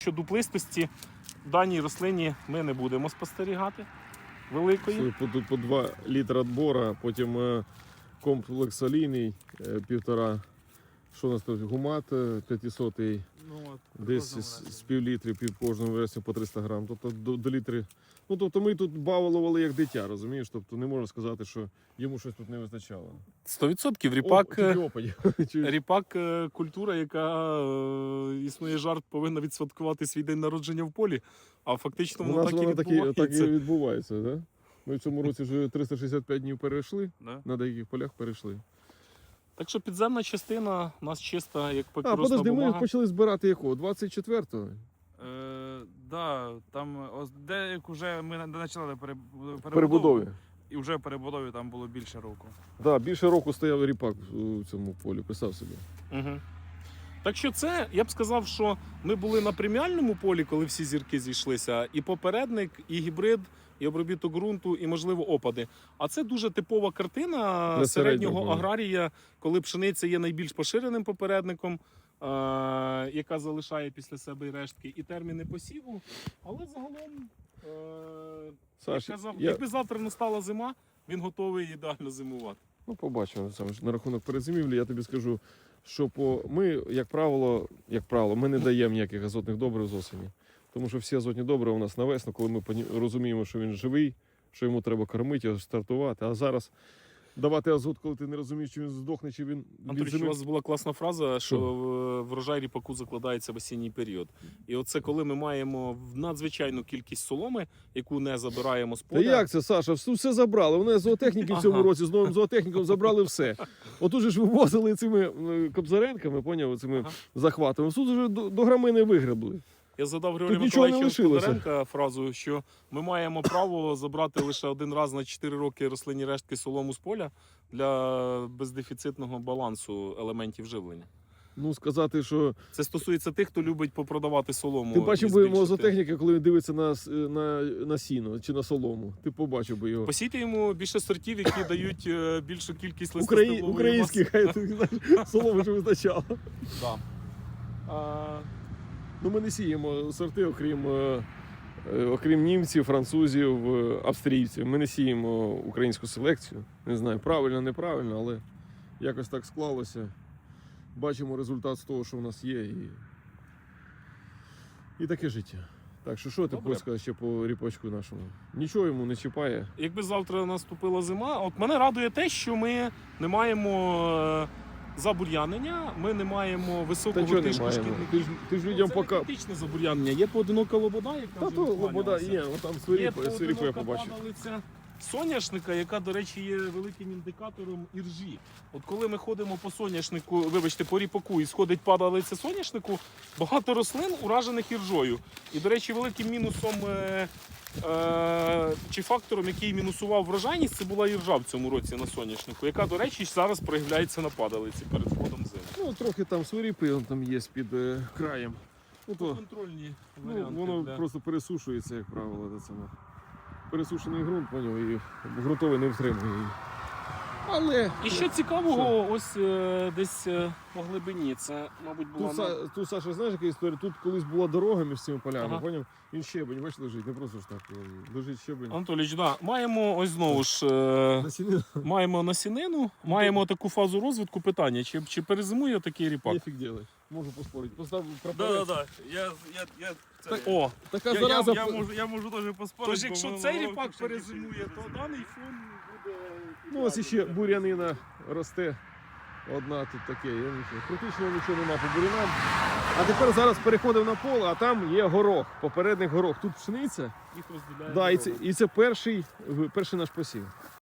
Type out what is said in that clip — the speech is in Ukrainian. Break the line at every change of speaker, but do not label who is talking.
Що дуплистості в даній рослині ми не будемо спостерігати великої.
Тут по 2 літри відбора, потім комплекс олійний 1,5. Що у нас тут? Гумат 500, десь з пів-літри, кожному версію по 300 грам. Тобто до літри. Ну, тобто ми тут балували як дитя, розумієш? Тобто не можна сказати, що йому щось тут не вистачало.
100% ріпак – культура, яка, існує жарт, повинна відсвяткувати свій день народження в полі, а фактично воно так і відбувається.
Так і відбувається, да? Ми в цьому році вже 365 днів перейшли,
Да.
на деяких полях перейшли.
Так що підземна частина у нас чиста, як
А,
папіросна
подожди,
бумага.
ми почали збирати якого? 24-го?
Да, там деяк вже ми почали
Перебудові.
і вже в перебудові там було більше року.
Да, більше року стояв ріпак у цьому полі, писав собі.
Угу. Так що це, я б сказав, що ми були на преміальному полі, коли всі зірки зійшлися, і попередник, і гібрид, і обробіток ґрунту, і, можливо, опади. А це дуже типова картина
Для
середнього
середнього.
аграрія, коли пшениця є найбільш поширеним попередником, яка залишає після себе і рештки, і терміни посіву. Але загалом,
Саш,
я казав,
я-
якби завтра настала зима, він готовий ідеально зимувати.
Ну, побачимо. Саме ж на рахунок перезимівлі, я тобі скажу, що ми, як правило, ми не даємо ніяких азотних добрив з осені. Тому що всі азотні добрива у нас на весну, коли ми розуміємо, що він живий, що йому треба кормити, його стартувати. А зараз давати азот, коли ти не розумієш, чи він здохне, чи він від
Андрій, у
зими.
вас була класна фраза, що врожай ріпаку закладається в осінній період. І оце коли ми маємо надзвичайну кількість соломи, яку не забираємо з
Та
поля.
як це, Саша? Все забрали. Вони зоотехніки в цьому
Ага.
році з новим зоотехніком забрали все. Отут же ж вивозили цими кобзаренками, поняв, цими
Ага.
захватами. Тут вже до грамини вигребли.
Я задав Григорію
Тут нічого не
Миколаївичу
лишилося.
Тодоренка фразу, що ми маємо право забрати лише один раз на 4 роки рослинні рештки солому з поля для бездефіцитного балансу елементів живлення.
Ну, сказати, що
Це стосується тих, хто любить попродавати солому.
ти
і
бачив би його
збільшити.
зоотехніка, коли він дивиться на сіно чи на солому. Ти побачив би його.
Посійте йому більше сортів, які дають більшу кількість листостеблової маси.
Українських, хай ти знаєш, соломи ж вистачало.
Да.
Ну, ми не сіємо сорти, окрім німців, французів, австрійців. Ми не сіємо українську селекцію. Не знаю, правильно, неправильно, але якось так склалося. Бачимо результат з того, що в нас є. І таке життя. Так що ти
Добре.
хочеш сказати ще по ріпачку нашому? Нічого йому не чіпає.
Якби завтра наступила зима, от мене радує те, що ми не маємо забур'янення, ми не маємо
Та
високого
чого не
тиску
маємо?
шкідників.
Ти ж людям
Це
поки...
не критичне забур'янення, є поодинока лобода, яка
Та
вже
то лобода
відкланялася.
є, там
Є
свиріпу я
поодинока
побачив.
падалиця соняшника, яка, до речі, є великим індикатором іржі. От коли ми ходимо по соняшнику, вибачте, по ріпаку і сходить падалиця соняшнику, багато рослин уражених іржою. І, до речі, великим мінусом чи фактором, який мінусував врожайність, це була іржа в цьому році на соняшнику, яка, до речі, зараз проявляється на падалиці перед входом зими.
Ну, трохи там свиріпи, он там є під краєм. Ну, то,
Контрольні
ну,
варіанти.
воно
для-
просто пересушується, як правило. Це саме. Пересушений ґрунт, поняв, і ґрунтовий не втримує її. Але
І що цікавого, ось десь по глибині, це, мабуть, була...
тут, Саша, знаєш, яка історія? Тут колись була дорога між цими полями,
Ага.
поняв? Він щебень, бачиш, лежить, не просто ж так. Лежить щебень.
Анатолійович, да, маємо ось знову ж...
Насінина
Маємо насінину, маємо таку фазу розвитку. Питання, чи перезимує такий ріпак?
нефіг делать. Можу поспорити. Постав прапорець.
Да.
О,
Така зараза.
Я можу теж поспорити.
тож якщо цей ріпак перезимує, то даний фон буде...
Ну, ось іще бурянина росте. Одна тут таке, я нічого. Критичного нічого нема по бурянам. А тепер зараз переходимо на поле, а там є горох, попередник горох. Тут пшениця.
Їх розділяє
Да, і
дорога.
це перший наш посів.